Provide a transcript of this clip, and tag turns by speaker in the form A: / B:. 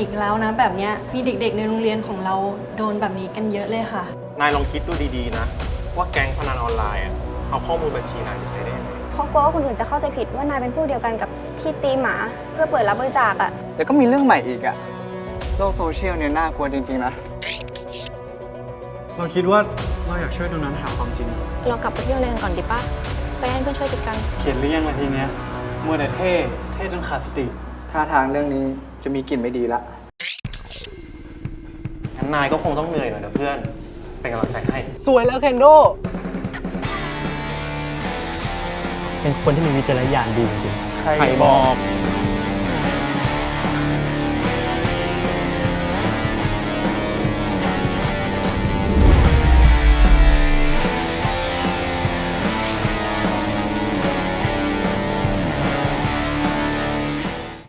A: อีกแล้วนะแบบเนี้ยมีเด็กๆในโรงเรียนของเราโดนแบบนี้กันเยอะเลยค่ะ
B: นายลองคิดดูดีๆนะว่าแก๊งพนันออนไลน์อะเอาข้อมูลบัญชีนายไปใช้ได้ยังไง
C: เขากลัวว่าคนอื่นจะเข้าใจผิดว่านายเป็นผู้เดียวกันกับที่ตีหมาเพื่อเปิดรับบริจาคอะ
D: เดี๋ยวก็มีเรื่องใหม่อีกอะโลกโซเชียลเนี่ยน่ากลัวจริงๆนะ
E: เราคิดว่าเราอยากช่วยตรงนั้นหาความจริง
F: เรากลับไปเที่ยวในกันก่อนดีป่ะ ไปให้เพื่อนช่วยจัดการ
E: เขียนหรือยังละทีเนี้ยมัวแต่เท่จนขาดสติ
D: ท่าทางเรื่องนี้จะมีกลิ่นไม่ดีละ
B: งั้นนายก็คงต้องเหนื่อยหน่อยนะเพื่อน เป็นกำลังใจให้
D: สวยแล้วเคนโด
G: เป็นคนที่มีวิจารณญาณดีจริงๆ
D: ใครบอก